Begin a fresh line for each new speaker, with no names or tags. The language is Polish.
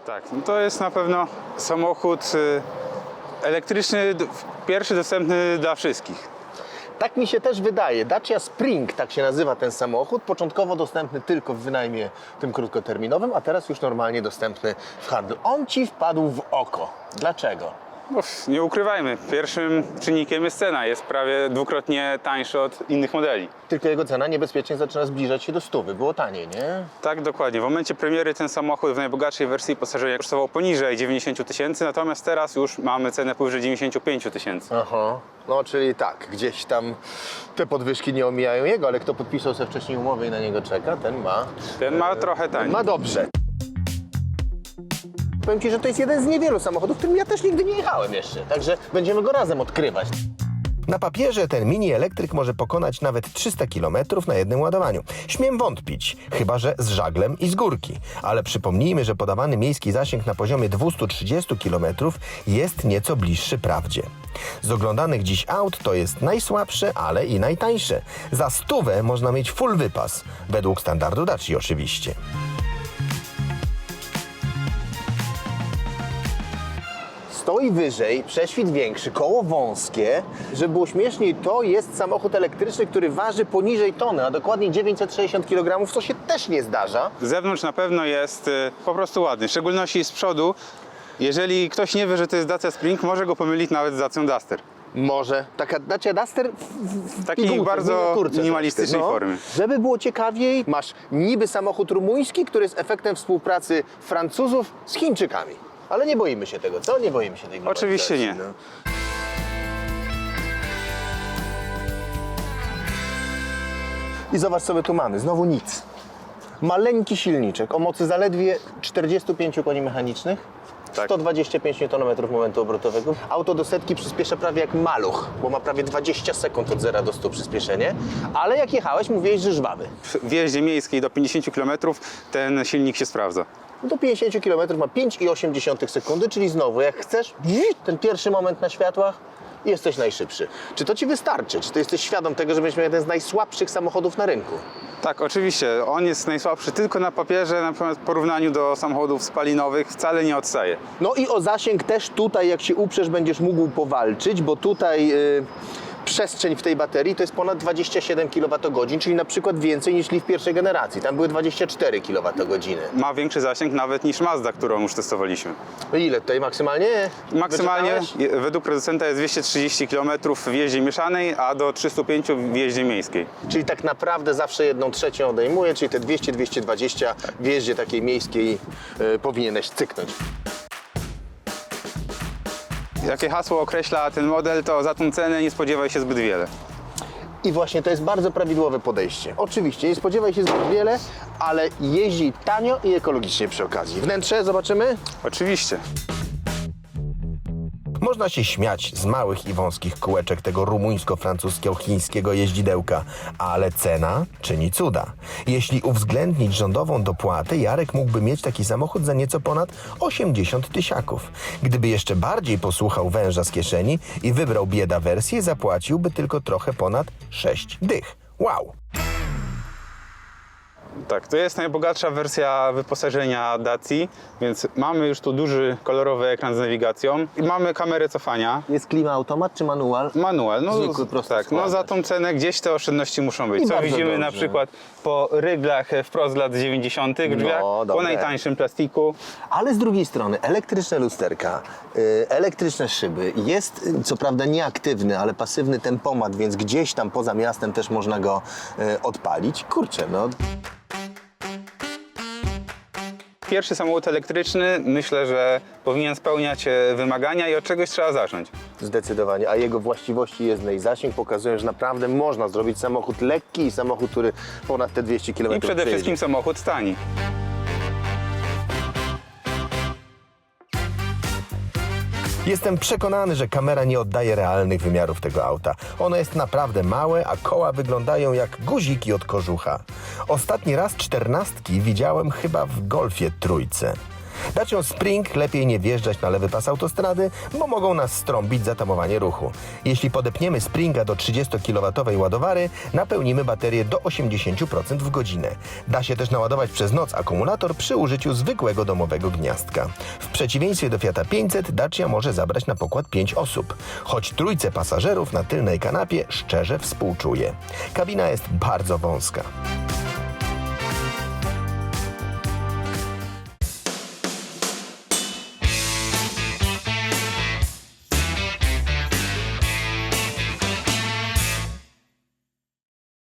Tak, no to jest na pewno samochód elektryczny, pierwszy dostępny dla wszystkich.
Tak mi się też wydaje. Dacia Spring, tak się nazywa ten samochód, początkowo dostępny tylko w wynajmie tym krótkoterminowym, a teraz już normalnie dostępny w handlu. On Ci wpadł w oko. Dlaczego?
No, nie ukrywajmy, pierwszym czynnikiem jest cena, jest prawie dwukrotnie tańszy od innych modeli.
Tylko jego cena niebezpiecznie zaczyna zbliżać się do 100. Było taniej, nie?
Tak, dokładnie. W momencie premiery ten samochód w najbogatszej wersji pasażera kosztował poniżej 90 tysięcy, natomiast teraz już mamy cenę powyżej 95 tysięcy.
Aha. No, czyli tak, gdzieś tam te podwyżki nie omijają jego, ale kto podpisał sobie wcześniej umowę i na niego czeka,
Ten ma trochę taniej.
ma dobrze. Powiem Ci, że to jest jeden z niewielu samochodów, którym ja też nigdy nie jechałem jeszcze, także będziemy go razem odkrywać.
Na papierze ten mini elektryk może pokonać nawet 300 km na jednym ładowaniu. Śmiem wątpić, chyba że z żaglem i z górki. Ale przypomnijmy, że podawany miejski zasięg na poziomie 230 km jest nieco bliższy prawdzie. Z oglądanych dziś aut to jest najsłabsze, ale i najtańsze. Za 100 można mieć full wypas, według standardu Dacia oczywiście.
Stoi wyżej, prześwit większy, koło wąskie. Żeby było śmieszniej, to jest samochód elektryczny, który waży poniżej tony, a dokładnie 960 kg, co się też nie zdarza.
Z zewnątrz na pewno jest po prostu ładny, w szczególności z przodu. Jeżeli ktoś nie wie, że to jest Dacia Spring, może go pomylić nawet z Dacią Duster.
Może. Taka Dacia Duster w
Takiej
pigułce,
bardzo
w miniaturce
minimalistycznej
troszkę,
formie.
Żeby było ciekawiej, masz niby samochód rumuński, który jest efektem współpracy Francuzów z Chińczykami. Ale nie boimy się tego, co? Nie boimy się tej globalizacji.
Oczywiście nie.
No. I zobacz, co my tu mamy. Znowu nic. Maleńki silniczek o mocy zaledwie 45 koni mechanicznych.
Tak.
125 Nm momentu obrotowego. Auto do setki przyspiesza prawie jak maluch, bo ma prawie 20 sekund od 0 do 100 przyspieszenie. Ale jak jechałeś, mówiłeś, że żwawy.
W jeździe miejskiej do 50 km ten silnik się sprawdza.
Do 50 km ma 5,8 sekundy, czyli znowu, jak chcesz, ten pierwszy moment na światłach, jesteś najszybszy. Czy to Ci wystarczy? Czy Ty jesteś świadom tego, że będziesz miał jeden z najsłabszych samochodów na rynku?
Tak, oczywiście. On jest najsłabszy tylko na papierze, na przykład w porównaniu do samochodów spalinowych wcale nie odstaje.
No i o zasięg też tutaj, jak się uprzesz, będziesz mógł powalczyć, bo tutaj przestrzeń w tej baterii to jest ponad 27 kWh, czyli na przykład więcej niż w pierwszej generacji. Tam były 24 kWh.
Ma większy zasięg nawet niż Mazda, którą już testowaliśmy.
No ile tutaj maksymalnie?
Maksymalnie
Wyczytałeś?
według producenta jest 230 km w jeździe mieszanej, a do 305 w jeździe miejskiej.
Czyli tak naprawdę zawsze 1/3 odejmuje, czyli te 200-220 w jeździe takiej miejskiej powinieneś cyknąć.
Jakie hasło określa ten model, to za tą cenę nie spodziewaj się zbyt wiele.
I właśnie to jest bardzo prawidłowe podejście. Oczywiście, nie spodziewaj się zbyt wiele, ale jeździ tanio i ekologicznie przy okazji. Wnętrze zobaczymy?
Oczywiście.
Można się śmiać z małych i wąskich kółeczek tego rumuńsko-francuskiego-chińskiego jeździdełka, ale cena czyni cuda. Jeśli uwzględnić rządową dopłatę, Jarek mógłby mieć taki samochód za nieco ponad 80 tysiaków. Gdyby jeszcze bardziej posłuchał węża z kieszeni i wybrał bieda wersję, zapłaciłby tylko trochę ponad 6 dych. Wow!
Tak, to jest najbogatsza wersja wyposażenia Dacji, więc mamy już tu duży kolorowy ekran z nawigacją i mamy kamerę cofania.
Jest klima automat czy manual?
Manual, no
Zwykły, prosty
tak, no za
składacz.
tą cenę gdzieś te oszczędności muszą być.
I
Co
bardzo
widzimy na
dobrze.
przykład po ryglach wprost z lat 90. drzwiach, po
dobre.
najtańszym plastiku.
Ale z drugiej strony elektryczne lusterka, elektryczne szyby, jest co prawda nieaktywny, ale pasywny tempomat, więc gdzieś tam poza miastem też można go odpalić. Kurczę, no.
Pierwszy samochód elektryczny, myślę, że powinien spełniać wymagania i od czegoś trzeba zacząć.
Zdecydowanie, a jego właściwości jezdne i zasięg pokazują, że naprawdę można zrobić samochód lekki i samochód, który ponad te 200 km
I przede wszystkim samochód tani.
Jestem przekonany, że kamera nie oddaje realnych wymiarów tego auta. Ono jest naprawdę małe, a koła wyglądają jak guziki od kożucha. Ostatni raz 14 widziałem chyba w Golfie trójce. Dacią Spring lepiej nie wjeżdżać na lewy pas autostrady, bo mogą nas strąbić zatamowanie ruchu. Jeśli podepniemy Springa do 30 kW ładowary, napełnimy baterię do 80% w godzinę. Da się też naładować przez noc akumulator przy użyciu zwykłego domowego gniazdka. W przeciwieństwie do Fiata 500 Dacia może zabrać na pokład 5 osób. Choć trójce pasażerów na tylnej kanapie szczerze współczuję. Kabina jest bardzo wąska.